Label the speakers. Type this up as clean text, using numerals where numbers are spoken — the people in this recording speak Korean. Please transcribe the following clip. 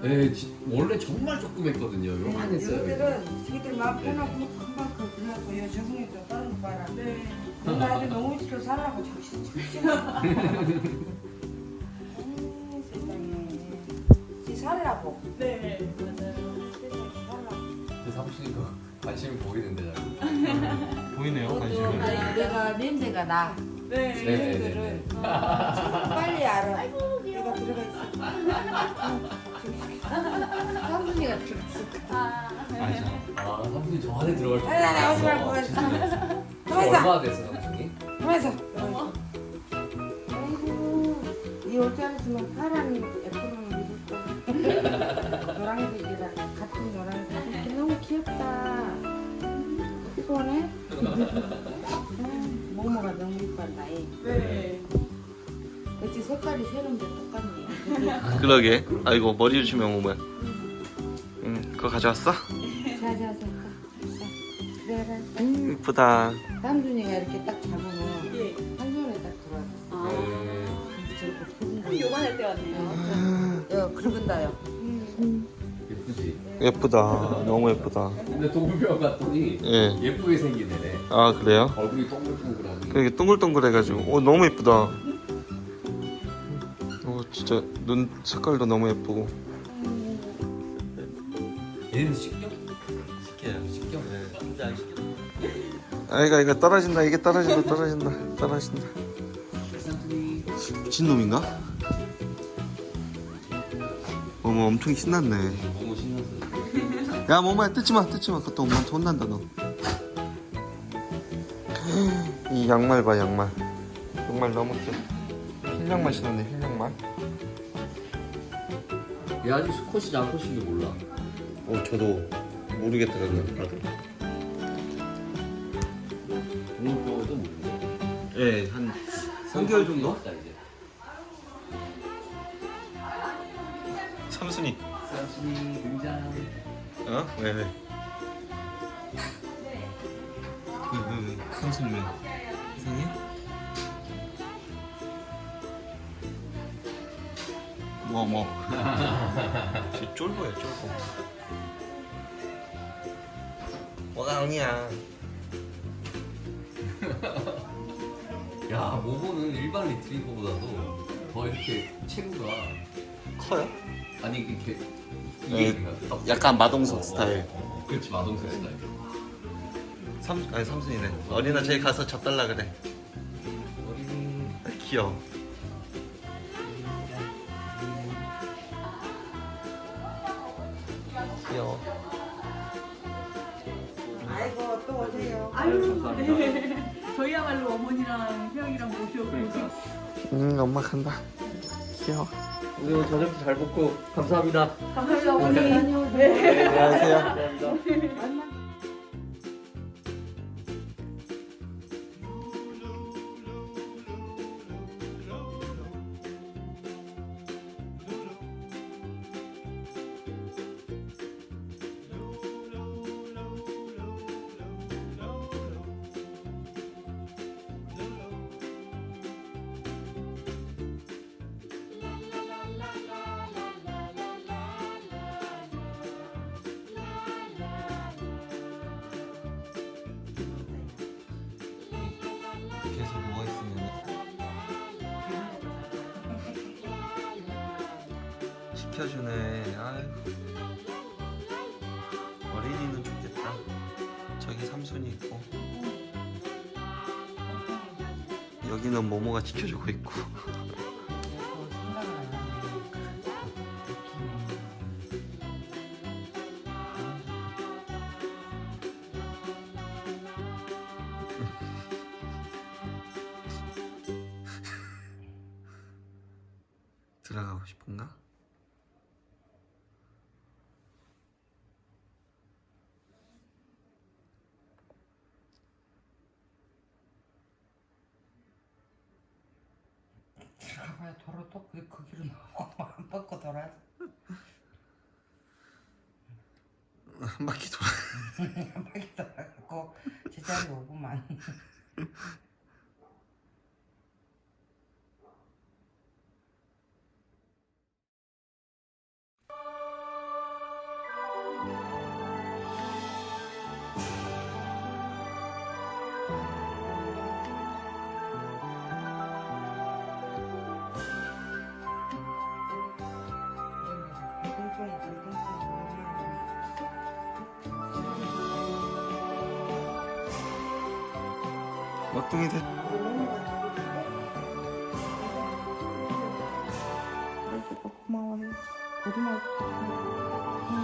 Speaker 1: 네, 원래 정말 조금 했거든요. 요만했어요.
Speaker 2: 여기들은 자기들 마음 편하고 금방 그러고 요 저승에도 다른 거 봐라. 네. 뭔가 아주 너무 싫어 살라고 정신 세상에. 지 살라고.
Speaker 3: 네, 맞아요.
Speaker 2: 세상에 살라고.
Speaker 1: 그 사무실도 관심이 보이는데 자꾸.
Speaker 4: 보이네요 관심이.
Speaker 2: 내가 냄새가 나.
Speaker 3: 네.
Speaker 1: 네네네.
Speaker 2: 빨리 알아. 내가 들어가 있어. 삼순이가 들어갔어.
Speaker 4: 아니죠.
Speaker 1: 아, 삼촌이 저 안에 들어갈 수
Speaker 2: 아니, 오지 말고 가만히 있어.
Speaker 1: 얼마나 됐어, 삼촌이?
Speaker 2: 가만있어. 아이고, 이 옷 잘했으면 파란 애플을 입을 거. 노란색이랑 같은 노란색. 너무 귀엽다. 피곤해? 모모가 너무 이뻤다.
Speaker 3: 네.
Speaker 2: 그치 색깔이 새로운데 똑같네.
Speaker 4: 그러게. 아이고 머리 주시면 오면. 그거 가져왔어?
Speaker 2: 자자자. 내가
Speaker 4: 이쁘다.
Speaker 2: 삼순이가 이렇게 딱 잡으면
Speaker 3: 예.
Speaker 2: 한 손에 딱 들어왔어.
Speaker 3: 아.
Speaker 1: 네.
Speaker 2: 저렇게 굵은 거.
Speaker 3: 우리 요만할 때 왔네요.
Speaker 2: 야, 굵은다요.
Speaker 1: 예쁘지?
Speaker 4: 예쁘다. 너무 예쁘다.
Speaker 1: 근데 동물병 갔더니
Speaker 4: 예.
Speaker 1: 예쁘게 생기네.
Speaker 4: 아 그래요?
Speaker 1: 얼굴이 동글동글하니.
Speaker 4: 이게 동글동글해가지고. 너무 예쁘다. 진짜 눈 색깔도 너무 예쁘고.
Speaker 1: 얘는 식경?
Speaker 4: 시켜요.
Speaker 1: 식경?
Speaker 4: 진짜 안 시켜. 아이가 이거 떨어진다. 이게 떨어진다.
Speaker 1: 삼촌이.
Speaker 4: 미친놈인가? 어머 엄청 신났네.
Speaker 1: 너무 신났어.
Speaker 4: 야 뭐만 뜯지마. 그것도 엄마한테 혼난다 너. 이 양말 봐 양말. 양말 너무 귀여워. 흰 양말 신었네 흰 양말.
Speaker 1: 얘 아직 수컷인지 암컷인지 몰라.
Speaker 4: 저도 모르겠더라고요. 나도.
Speaker 1: 동물병에도 모르는데.
Speaker 4: 예, 한 3개월 정도?
Speaker 1: 왔다 이제.
Speaker 4: 삼순이.
Speaker 1: 삼촌이 등장.
Speaker 4: 어? 왜? 왜, 삼순이 왜? 이상해? 뭐. 쟤 쫄보야, 쫄보. 뭐가 아니야.
Speaker 1: 야, 모모는 일반 리트리버보다도 더 이렇게 체구가
Speaker 4: 커요?
Speaker 1: 아니 이렇게
Speaker 4: 네,
Speaker 1: 딱-
Speaker 4: 약간 마동석 스타일.
Speaker 1: 그렇지 마동석 스타일.
Speaker 4: 아니 삼순이네. 어린아집에 가서 젖달라 그래.
Speaker 1: 어린이
Speaker 4: 귀여워. 귀여워.
Speaker 2: 아이고 또 오세요.
Speaker 3: 아유, 네. 저희야말로 어머니랑 형이랑 모셔오고.
Speaker 4: 엄마 간다. 귀여워.
Speaker 1: 우리 오늘 저녁도 잘 먹고 감사합니다.
Speaker 3: 감사합니다, 어머니.
Speaker 2: 네.
Speaker 4: 안녕하세요. 계속 누워 있으면 시켜주네. 아유. 어린이는 좋겠다. 저기 삼순이 있고 여기는 모모가 지켜주고 있고. 들어가고 싶은가?
Speaker 2: 들어가봐야 돌아 또 그 길로 나오고 안 뻗고 돌아.
Speaker 4: 한 바퀴 돌아.
Speaker 2: 한 바퀴 돌아가고 제자리 오구만.
Speaker 4: 막둥이 돼.
Speaker 2: 고마워해. 고등학교